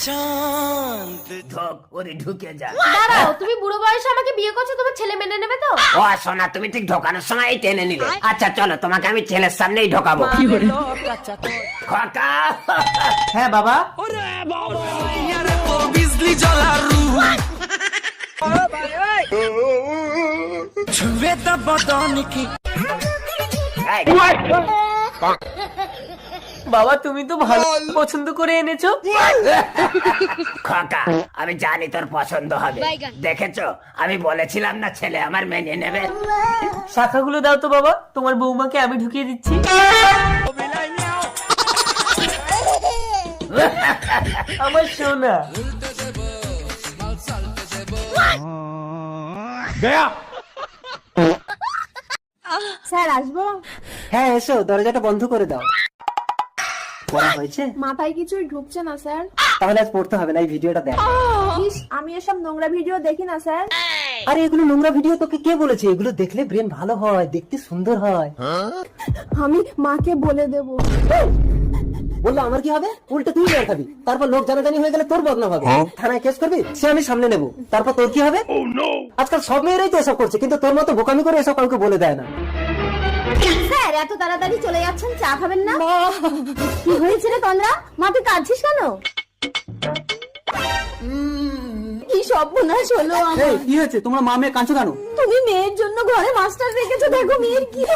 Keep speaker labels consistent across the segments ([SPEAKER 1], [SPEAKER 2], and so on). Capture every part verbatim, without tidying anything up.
[SPEAKER 1] ঢুকে যা।
[SPEAKER 2] দাঁড়াও, তুমি বুড়ো বয়সে আমাকে বিয়ে করছো, তোমার ছেলে মেনে নেবে তো?
[SPEAKER 1] ও সোনা, তুমি ঠিক ঢোকানোর সময় টেনে নিলে। আচ্ছা চলো, তোমাকে আমি ছেলের সামনেই ঢোকাবো। খোকা।
[SPEAKER 3] হ্যাঁ বাবা।
[SPEAKER 4] বিজলি জ্বলার ছুঁয়ে তা বদন কি।
[SPEAKER 3] বাবা তুমি তো ভালো পছন্দ করে এনেছো।
[SPEAKER 1] খোকা, আমি জানি তোর পছন্দ হবে। দেখেছো, আমি বলেছিলাম না ছেলে আমার মেনে নেবে।
[SPEAKER 3] শাখাগুলো দাও তো বাবা, তোমার বৌমাকে আমি ঢুকিয়ে দিচ্ছি। আমার সোনা।
[SPEAKER 2] স্যার আসবো?
[SPEAKER 3] হ্যাঁ এসো, দরজাটা বন্ধ করে দাও। পড়া হয়েছে?
[SPEAKER 2] মাথায় কিছুই ঢুকছে না স্যার।
[SPEAKER 3] তাহলে আজ পড়তে হবে না, এই ভিডিওটা দেখ।
[SPEAKER 2] ইস, আমি এসব নোংরা ভিডিও দেখি না স্যার।
[SPEAKER 3] আরে এগুলো নোংরা ভিডিও তোকে কে বলেছে? এগুলো দেখলে ব্রেন ভালো হয়, দেখতে সুন্দর হয়।
[SPEAKER 2] আমি মাকে বলে দেব।
[SPEAKER 3] বললো আমার কি হবে? উল্টো তুই মার খাবি, তারপর লোক জানাজানি হয়ে গেলে তোর বদনাম হবে। থানায় কেস করবি, সে আমি সামনে নেব, তারপর তোর কি হবে? আজকাল সব মেয়েরাই তো এসব করছে, কিন্তু তোর মতো বোকামি করে এসব কাউকে বলে দেয় না।
[SPEAKER 2] স্যার এত তাড়াতাড়ি চলে যাচ্ছেন, চা খাবেন না? কি হয়েছে রে তন্দ্রা, মা তুই কাঁদছিস কেন? কি সর্বনাশ হলো আমার।
[SPEAKER 3] কি হয়েছে? তোমরা মা মেয়ে কাঁদছো কেন?
[SPEAKER 2] তুমি মেয়ের জন্য ঘরে মাস্টার রেখেছো, দেখো মেয়ের কি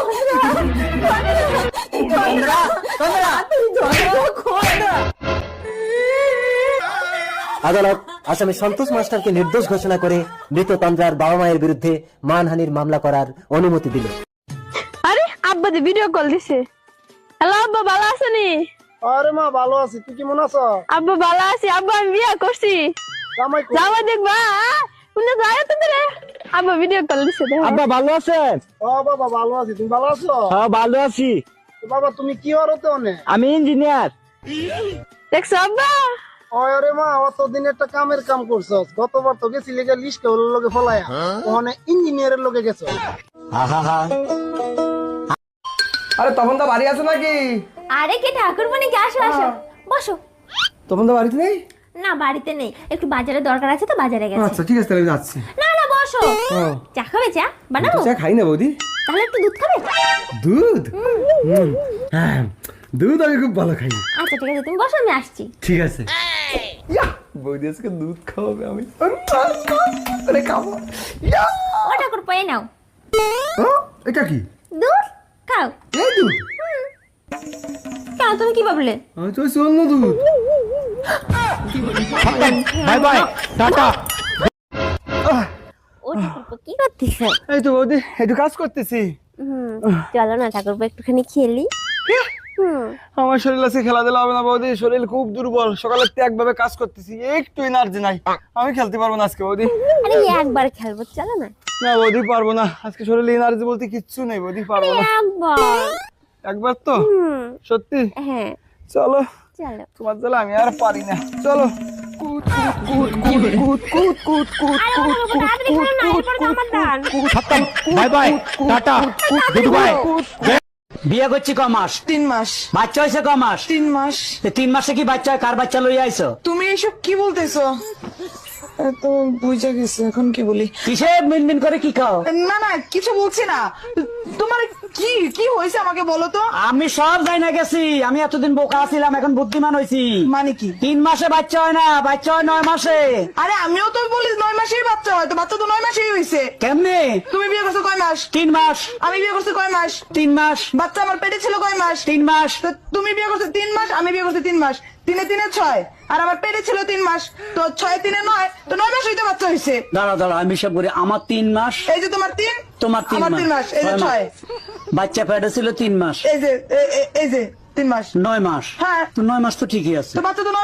[SPEAKER 3] আদালত আসামি সন্তোষ মাস্টারকে নির্দোষ ঘোষণা করে মৃত তন্দ্রার বাবা মায়ের বিরুদ্ধে মানহানির মামলা করার অনুমতি দিল।
[SPEAKER 5] আরে আব্বা দি ভিডিও কল দিছে। হ্যালো আব্বা, ভালো আছেনি?
[SPEAKER 6] আরে মা ভালো আছি, তুই কেমন আছো?
[SPEAKER 5] আব্বা ভালো আছি, আব্বা আমি বিয়ে করছি।
[SPEAKER 6] জামাই কই?
[SPEAKER 5] জামাই দেখবা শুনে যায় তো রে। আব্বা ভিডিও কল দিছে।
[SPEAKER 6] আব্বা ভালো আছেন? ও বাবা ভালো আছি, তুমি ভালো আছো?
[SPEAKER 7] হ্যাঁ ভালো আছি।
[SPEAKER 6] তো বাবা তুমি কি হরতে অনে?
[SPEAKER 7] আমি ইঞ্জিনিয়ার।
[SPEAKER 5] দেখছো আব্বা?
[SPEAKER 6] আরে মা অতদিন একটা কামের কাম করছস, গতবার তো গেছিলি গা লিস্ট ওর লগে ফলায়া, ওখানে ইঞ্জিনিয়ারের লগে গেছো।
[SPEAKER 8] আরে তখন তো বাড়ি আছো নাকি?
[SPEAKER 2] আরে কে ঠাকুর মানে কি, আসো আসো বসো।
[SPEAKER 8] তখন তো বাড়িতে নেই?
[SPEAKER 2] না বাড়িতে নেই, একটু বাজারে দরকার আছে তো বাজারে গেছে।
[SPEAKER 8] আচ্ছা ঠিক আছে, তাহলে আমি যাচ্ছি।
[SPEAKER 2] না না বসো, চা খাবে? চা বানাবো?
[SPEAKER 8] চা খাই না বৌদি।
[SPEAKER 2] তাহলে একটু দুধ খাবে?
[SPEAKER 8] দুধ? হুম, হ্যাঁ দুধ আমি খুব ভালো খাই।
[SPEAKER 2] আচ্ছা ঠিক আছে, তুমি বসো, আমি আসছি।
[SPEAKER 8] ঠিক আছে। ইয়া, বৌদি আজকে দুধ খাওয়াবে, আমি আরে খাবো। ইয়া,
[SPEAKER 2] ও ঠাকুর পয়ে নাও
[SPEAKER 8] ও, এটা কি?
[SPEAKER 2] দুধ খাও।
[SPEAKER 8] এই দুধ?
[SPEAKER 2] কেন তুমি কি ভাবলে?
[SPEAKER 8] আমি তো অন্য দুধ।
[SPEAKER 7] Bye bye, tata.
[SPEAKER 2] ও ঠাকুর কি করতেছ?
[SPEAKER 8] এই তো বৌদি একটু কাজ করতেছি।
[SPEAKER 2] চলো না ঠাকুর একটুখানি খেলি।
[SPEAKER 8] আমার শরীর আছে, খেলা দিলে হবে না বৌদি, শরীর খুব দুর্বল, সকালে ত্যাগ ভাবে কাজ করতেছি, একটু এনার্জি নাই, আমি খেলতে পারবো না আজকে বৌদি।
[SPEAKER 2] আরে একবার খেলবো, চলো না।
[SPEAKER 8] না বৌদি পারবো না, আজকে শরীরে এনার্জি বলতে কিচ্ছু নেই বৌদি, পারবো না।
[SPEAKER 2] একবার
[SPEAKER 8] একবার তো? সত্যি?
[SPEAKER 2] হ্যাঁ
[SPEAKER 8] চলো,
[SPEAKER 2] চলো।
[SPEAKER 8] তোমার জ্বালা আমি আর পারি না, চলো। কুত কুত কুত কুত কুত কুত কুত
[SPEAKER 7] bye bye, tata, goodbye. বিয়ে করছি ক মাস?
[SPEAKER 4] তিন মাস।
[SPEAKER 7] বাচ্চা হয়েছে ক মাস?
[SPEAKER 4] তিন মাস।
[SPEAKER 7] তিন মাসে কি বাচ্চা হয়? কার বাচ্চা লইয়া আইছো?
[SPEAKER 4] তুমি এসব কি বলতেছো? তো বুঝা গেছে, এখন কি বলি?
[SPEAKER 7] কিসে মিনমিন করে কি খাও?
[SPEAKER 4] না না কিছু বলছি না, তোমার কি কি হয়েছে আমাকে বলো তো।
[SPEAKER 7] আমি সব যাই না গেছি, আমি এতদিন বোকা ছিলাম, এখন বুদ্ধিমান হয়েছি।
[SPEAKER 4] মানে কি?
[SPEAKER 7] তিন মাসে বাচ্চা হয় না, বাচ্চা হয় নয় মাসে।
[SPEAKER 4] আরে আমিও তো বলি নয় মাসেই বাচ্চা হয়, তো বাচ্চা তো নয় মাসেই হয়েছে।
[SPEAKER 7] কেমনে?
[SPEAKER 4] তুমি বিয়ে করছো কয় মাস?
[SPEAKER 7] তিন মাস।
[SPEAKER 4] আমি বিয়ে করছি কয় মাস?
[SPEAKER 7] তিন মাস।
[SPEAKER 4] বাচ্চা আমার পেটে ছিল কয় মাস?
[SPEAKER 7] তিন মাস।
[SPEAKER 4] তো তুমি বিয়ে করছো তিন মাস, আমি বিয়ে করছি তিন মাস, তিনে তিনে ছয়, আর আমার পেটে ছিল তিন মাস, তো ছয় তিনে নয়, তো নয় মাস হইতে বাচ্চা হয়েছে।
[SPEAKER 7] দাঁড়া দাঁড়া, আমি সব করি। আমার তিন মাস,
[SPEAKER 4] এই যে তোমার তিন,
[SPEAKER 7] তোমার তিন
[SPEAKER 4] আমার তিন মাস, এই যে ছয়।
[SPEAKER 7] বাচ্চা পেটে ছিল তিন মাস,
[SPEAKER 4] এই যে এ- এ- এই যে তিন মাস,
[SPEAKER 7] নয় মাস।
[SPEAKER 4] হ্যাঁ।
[SPEAKER 7] তো নয় মাস তো ঠিকই আছে।
[SPEAKER 4] তো বাচ্চা তো নয়